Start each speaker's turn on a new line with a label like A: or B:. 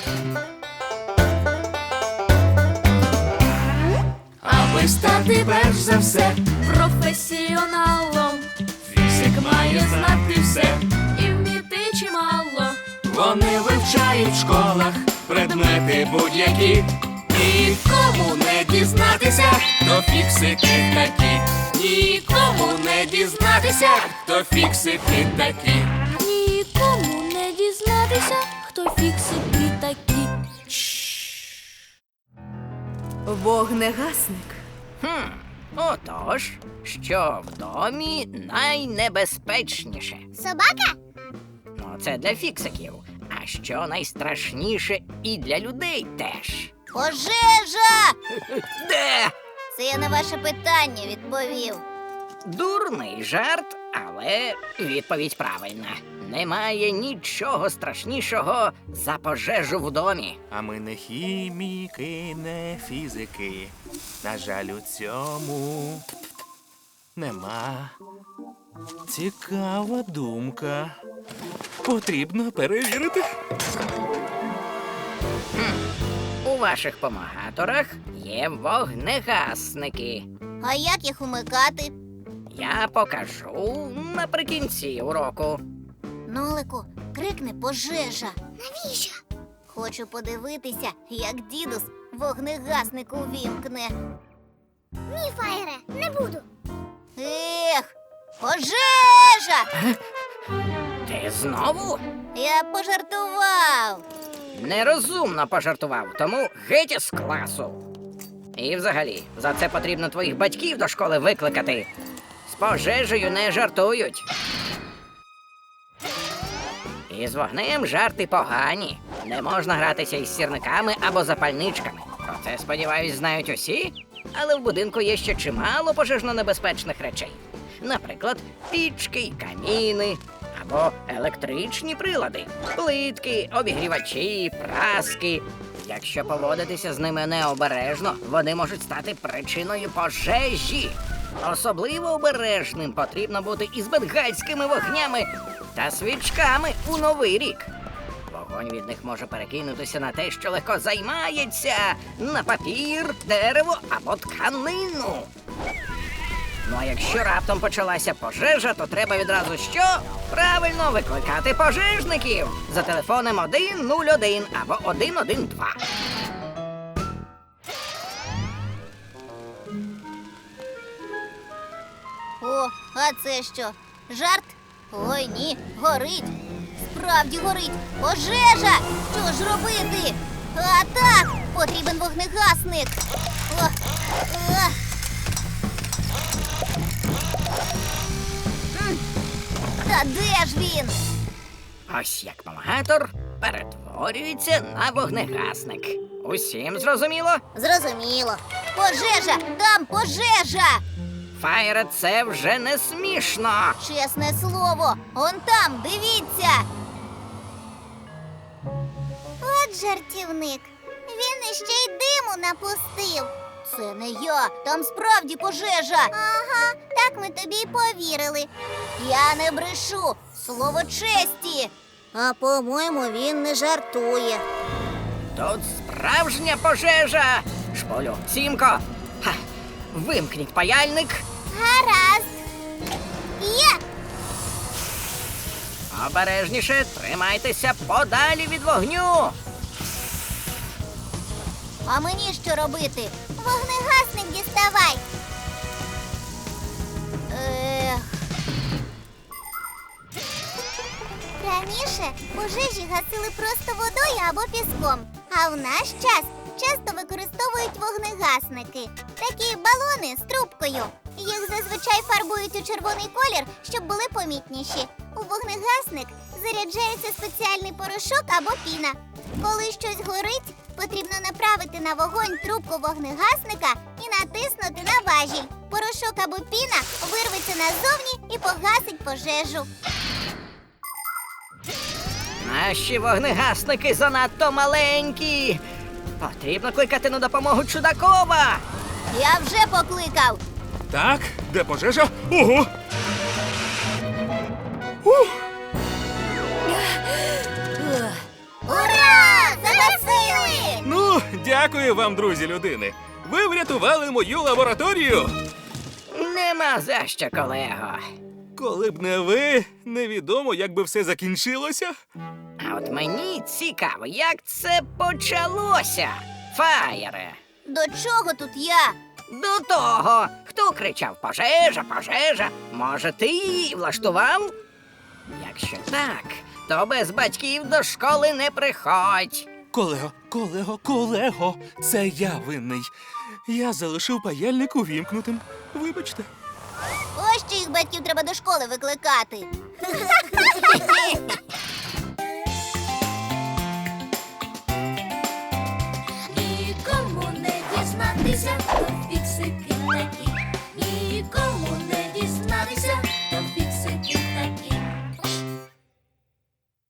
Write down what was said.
A: Аби стати перш за все
B: професіоналом,
A: фізик має знати все.
B: і вміти чимало.
A: Вони вивчають в школах предмети будь-які. Нікому не дізнатися, хто фіксики такі. Нікому не дізнатися, хто фіксики такі.
B: Нікому не дізнатися, хто фіксики такі.
C: Вогнегасник.
D: Отож, що в домі найнебезпечніше?
E: Собака?
D: Ну, це для фіксиків. А що найстрашніше і для людей теж.
E: Пожежа!
D: Де?
E: Це я на ваше питання відповів.
D: Дурний жарт, але відповідь правильна. Немає нічого страшнішого за пожежу в домі.
F: А ми не хіміки, не фізики. На жаль, у цьому нема. Цікава думка. Потрібно перевірити.
D: У ваших помагаторах є вогнегасники.
E: А як їх умикати?
D: Я покажу наприкінці уроку.
E: Нолику, крикни пожежа. Навіщо? Хочу подивитися, як дідус вогнегасник увімкне. Ні, Фаєре, не буду. Ех, пожежа!
D: Ти знову?
E: Я пожартував.
D: Нерозумно пожартував, тому геть із класу. І взагалі, за це потрібно твоїх батьків до школи викликати. З пожежею не жартують. І з вогнем жарти погані. Не можна гратися із сірниками або запальничками. Про це, сподіваюсь, знають усі. Але в будинку є ще чимало пожежно-небезпечних речей. Наприклад, пічки й каміни, або електричні прилади, плитки, обігрівачі, праски. Якщо поводитися з ними необережно, вони можуть стати причиною пожежі. Особливо обережним потрібно бути із бенгальськими вогнями та свічками у Новий рік. Вогонь від них може перекинутися на те, що легко займається, на папір, дерево або тканину. Ну а якщо раптом почалася пожежа, то треба відразу що? Правильно, викликати пожежників за телефоном 101 або 112.
E: О, а це що? Жарт? Ой, ні, горить. Справді горить. Пожежа! Що ж робити? А так, потрібен вогнегасник. О, а. Та де ж він?
D: Ось як помагатор перетворюється на вогнегасник. Усім зрозуміло?
E: Зрозуміло. Пожежа! Там пожежа!
D: Фаєре, це вже не смішно.
E: Чесне слово, он там, дивіться. От жартівник. Він іще й диму напустив. Це не я, там справді пожежа. Ага, так ми тобі й повірили. Я не брешу, слово честі. А по-моєму, він не жартує.
D: Тут справжня пожежа. Шполю, Сімко, вимкніть паяльник.
E: Гаразд. Є!
D: Обережніше, тримайтеся подалі від вогню.
E: А мені що робити? Вогнегасник діставай. Раніше пожежі гасили просто водою або піском. А в наш час часто використовують вогнегасники. Такі балони з трубкою. Їх зазвичай фарбують у червоний колір, щоб були помітніші. У вогнегасник заряджається спеціальний порошок або піна. Коли щось горить, потрібно направити на вогонь трубку вогнегасника і натиснути на важіль. Порошок або піна вирветься назовні і погасить пожежу.
D: Наші вогнегасники занадто маленькі. Потрібно кликати на допомогу Чудакова.
E: Я вже покликав.
F: Так, де пожежа? Ого!
E: Ура! Загасили!
F: Дякую вам, друзі людини. Ви врятували мою лабораторію.
D: Нема за що, колего.
F: Коли б не ви, невідомо, як би все закінчилося.
D: А от мені цікаво, як це почалося, Фаєре.
E: До чого тут я?
D: До того, хто кричав «Пожежа, пожежа», може, ти її влаштував? Якщо так, то без батьків до школи не приходь.
F: Колего, це я винний. Я залишив паяльник увімкнутим. Вибачте.
E: Ось що їх батьків треба до школи викликати.
B: Нікому не дізнатися, хто фіксики такі. Нікому